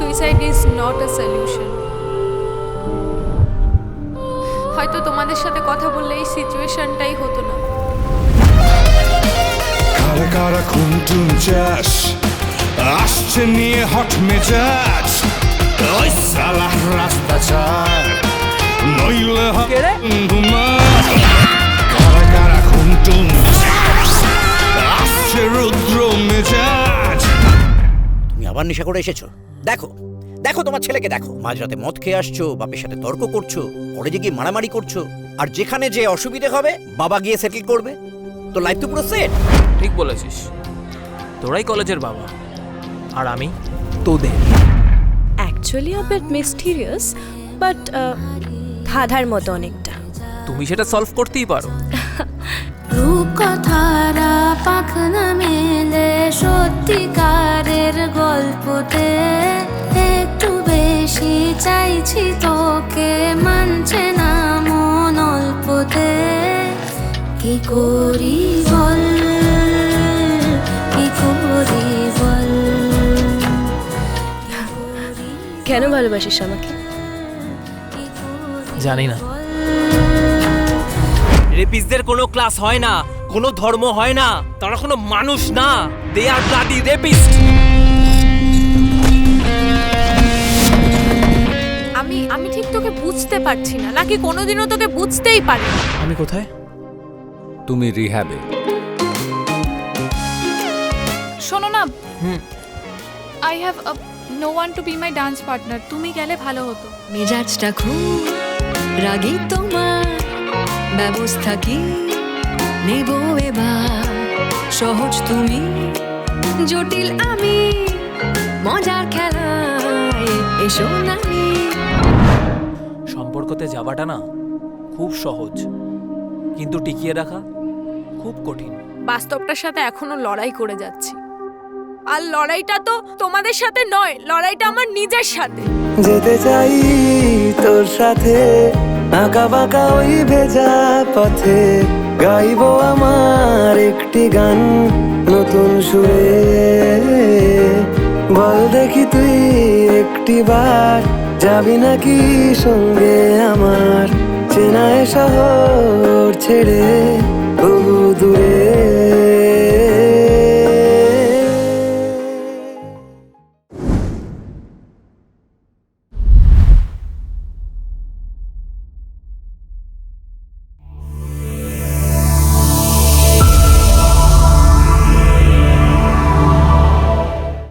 Suicide is not a solution. হয়তো তোমাদের সাথে কথা বললে এই সিচুয়েশনটাই হতো না। কারা কারা খুনটুন চাস আসছে নিয়ে হট মেজাজ, ওই সালাহ রাস্তা ছাড় নইলে কারা কারা খুনটুন চাস আসছে রুদ্র মেজাজ। তুমি আবার নেশা করে এসেছো? দেখো দেখো তোমার ছেলেকে দেখো, মাঝরাতে মদ খেয়ে আসছো, বাপের সাথে তর্ক করছো, কলেজে গিয়ে মারামারি করছো, আর যেখানে যে অসুবিধে হবে বাবা গিয়ে সেটেল করবে। তো লাইফ তো পুরো সেট। ঠিক বলেছিস, তোরাই কলেজের বাবা আর আমি তোদের। Actually a bit mysterious, but ধাঁধার মতো অনেকটা। তুমি সেটা সলভ করতেই পারো। রূপকথারা পাখ না মেলে সত্যিকারের গল্পতে, একটু বেশি চাইছি তোকে, মানছে না মন অল্পতে। কি করি বল, কি করি বল। কেন ভালোবাসিস আমাকে? জানি না। রেপিস্টদের কোনো ক্লাস হয় না, কোনো ধর্ম হয় না, তারা কোনো মানুষ না। They are bloody rapist. আমি ঠিক তোকে বুঝতে পারছি না, নাকি কোনোদিনও তোকে বুঝতেই পারি না। আমি কোথায়? তুমি রিহ্যাবে। শোনো না, I have no one to be my dance partner. তুমি গেলে ভালো হতো। মেজাজটা খুব রাগী তোমার, ব্যবস্থা কি নেব এবার? সহজ তুমি, জটিল আমি, মজার খেলায় এসো নামি। সম্পর্কতে যাওয়াটা না খুব সহজ, কিন্তু টিকিয়ে রাখা খুব কঠিন। বাস্তবটার সাথে এখনো লড়াই করে যাচ্ছি, আর লড়াইটা তো তোমাদের সাথে নয়, লড়াইটা আমার নিজের সাথে। যেতে চাই তোর সাথে আঁকা বাঁকা ওই ভেজা পথে, গাইবো আমার একটি গান নতুন সুরে। বল দেখি তুই একটি বার যাবি নাকি সঙ্গে আমার, চেনায় শহর ছেড়ে বহু দূরে।